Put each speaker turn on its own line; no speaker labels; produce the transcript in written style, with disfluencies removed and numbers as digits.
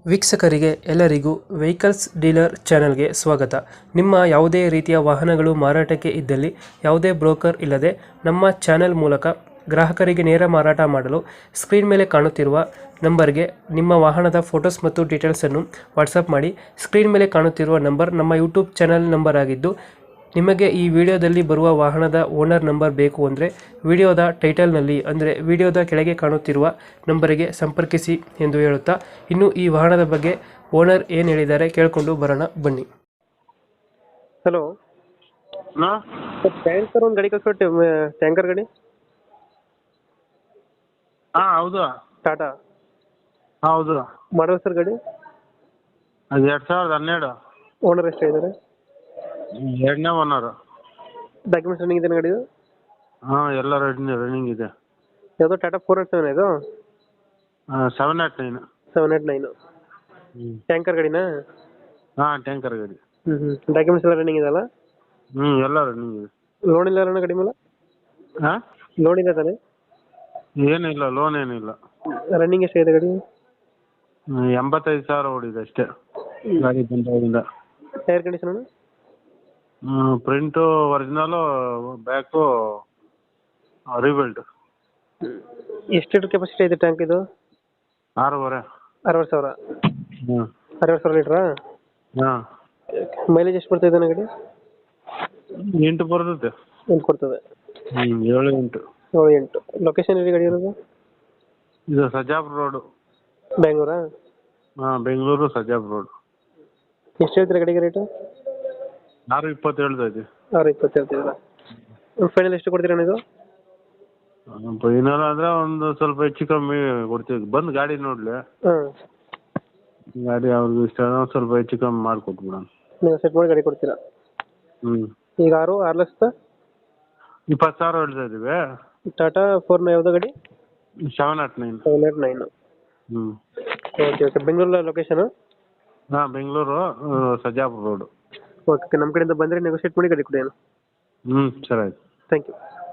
ವೀಕ್ಷಕರಿಗೆ ಎಲ್ಲರಿಗೂ vehicles dealer ಚಾನೆಲ್ಗೆ ಸ್ವಾಗತ. ನಿಮ್ಮ ಯಾವುದೇ ರೀತಿಯ ವಾಹನಗಳು ಮಾರಾಟಕ್ಕೆ ಇದ್ದಲ್ಲಿ ಯಾವುದೇ ಬ್ರೋಕರ್ ಇಲ್ಲದೆ ನಮ್ಮ ಚಾನೆಲ್ ಮೂಲಕ ಗ್ರಾಹಕರಿಗೆ ನೇರ ಮಾರಾಟ ಮಾಡಲು ಸ್ಕ್ರೀನ್ ಮೇಲೆ ಕಾಣುತ್ತಿರುವ ನಂಬರ್ಗೆ ನಿಮ್ಮ ವಾಹನದ ಫೋಟೋಸ್ ಮತ್ತು ಡೀಟೇಲ್ಸನ್ನು ವಾಟ್ಸಪ್ ಮಾಡಿ. ಸ್ಕ್ರೀನ್ ಮೇಲೆ ಕಾಣುತ್ತಿರುವ ನಂಬರ್ ನಮ್ಮ ಯೂಟ್ಯೂಬ್ ಚಾನೆಲ್ ನಂಬರ್ ಆಗಿದ್ದು, ನಿಮಗೆ ಈ ವಿಡಿಯೋದಲ್ಲಿ ಬರುವ ವಾಹನದ ಓನರ್ ನಂಬರ್ ಬೇಕು ಅಂದರೆ ವಿಡಿಯೋದ ಟೈಟಲ್ನಲ್ಲಿ ಅಂದರೆ ವಿಡಿಯೋದ ಕೆಳಗೆ ಕಾಣುತ್ತಿರುವ ನಂಬರಿಗೆ ಸಂಪರ್ಕಿಸಿ ಎಂದು ಹೇಳುತ್ತಾ, ಇನ್ನು ಈ ವಾಹನದ ಬಗ್ಗೆ ಓನರ್ ಏನು ಹೇಳಿದ್ದಾರೆ ಕೇಳಿಕೊಂಡು ಬರೋಣ ಬನ್ನಿ. ಹಲೋ, ಟ್ಯಾಂಕರ್ ಒಂದು ಗಾಡಿ ಕಳಿಸ್ಕೊಟ್ಟೆ, ಟ್ಯಾಂಕರ್ ಗಾಡಿ.
ಹಾಂ ಹೌದು.
ಟಾಟಾ
ಹೌದು.
ಮಾಡಲ್ ಸರ್ ಗಾಡಿ?
ಅದು 2012.
ಓನರ್ ಎಷ್ಟಾಗಿದ್ದಾರೆ?
ಎರಡನೇ ಓನರು.
ಡಾಕ್ಯುಮೆಂಟ್ಸ್ ರನ್ನಿಂಗ್ ಇದೆ ಗಾಡಿ?
ಹಾಂ ಎಲ್ಲ ರನ್ನಿಂಗ್ ಇದೆ.
ಯಾವುದೋ ಟಾಟಾ 407 ಇದು?
789.
789 ಟ್ಯಾಂಕರ್ ಗಾಡಿನಾ?
ಹಾಂ ಟ್ಯಾಂಕರ್ ಗಾಡಿ.
ಡಾಕ್ಯುಮೆಂಟ್ಸ್ ಎಲ್ಲ ರನ್ನಿಂಗ್ ಇದೆಲ್ಲ?
ಎಲ್ಲ ರನ್ನಿಂಗ್ ಇದೆ.
ಲೋನ್ ಇಲ್ಲ ಅಣ್ಣ ಗಾಡಿ ಮೇಲೆ?
ಹಾಂ
ಲೋನ್ ಇದೆ ತಾನೆ?
ಏನಿಲ್ಲ, ಲೋನ್ ಏನಿಲ್ಲ.
ರನ್ನಿಂಗ್ ಎಷ್ಟಾಗಿದೆ ಗಾಡಿ?
85,000 ಓಡಿದೆ ಅಷ್ಟೇ ಗಾಡಿ ಬಂದಾಗಿಂದ.
Tyre condition?
Print original, back rebuilt.
ಎಷ್ಟು ಲೀಟರ್ ಕೆಪಾಸಿಟಿ ಇದೆ ಟ್ಯಾಂಕ್ ಇದು?
6.5.
60,000?
ಹ್ಞೂ
60,000 ಲೀಟ್ರಾ?
ಹಾಂ.
ಮೈಲೇಜ್ ಎಷ್ಟು ಬರ್ತಾ ಇದೆ ಗಾಡಿ?
8 ಬರ್ತದೆ.
ಎಂಟು ಕೊಡ್ತದೆ?
7, 8.
7, 8. ಲೊಕೇಶನ್ ಎಲ್ಲಿ ಗಾಡಿ ಇರೋದು?
ಇದು ಸಜ್ಜಾಪುರ ರೋಡು.
ಬೆಂಗಳೂರಾ?
ಹಾಂ ಬೆಂಗಳೂರು ಸಜ್ಜಾಪುರ ರೋಡ್.
ಎಷ್ಟು ಹೇಳ್ತೀರಾ ಗಾಡಿಗೆ ರೇಟು?
6.20 ಹೇಳ್ತಾ ಇದ್ದೀವಿ.
6.20 ಹೇಳ್ತಿದ್ದೀರಾ? ಫೈನಲ್ ಎಷ್ಟು ಕೊಡ್ತೀರಾ ಇದು?
ಫೈನಲ್ ಅಂದರೆ ಒಂದು ಸ್ವಲ್ಪ ಹೆಚ್ಚು ಕಮ್ಮಿ ಕೊಡ್ತೀವಿ. ಬಂದು ಗಾಡಿ ನೋಡಲಿ,
ಹಾಂ
ಗಾಡಿ ಅವ್ರಿಗೆ ಇಷ್ಟ ಆದರೆ ಸ್ವಲ್ಪ ಹೆಚ್ಚು ಕಮ್ಮಿ ಮಾಡಿಕೊಟ್ಬಿಡೋಣ.
ನೀವು ಸೆಟ್ ಮಾಡಿ ಗಾಡಿ ಕೊಡ್ತೀರಾ? ಈಗ 6 ಲಕ್ಷದ
20,000 ಹೇಳ್ತಾ ಇದ್ದೀವಿ.
ಟಾಟಾ 4 ಯಾವ್ದು ಗಾಡಿ?
789.
789. Okay okay. ಬೆಂಗಳೂರು ಲೊಕೇಶನ್?
ಹಾಂ ಬೆಂಗಳೂರು ಸಜ್ಜಾಪುರ ರೋಡು.
ಓಕೆ, ನಮ್ಮ ಕಡೆಯಿಂದ ಬಂದರೆ ನೆಗೋಷಿಯೇಟ್ ಮಾಡಿ ಗಾಡಿ ಕೊಡಿ.
ಸರಿ ಆಯ್ತು.
Thank you.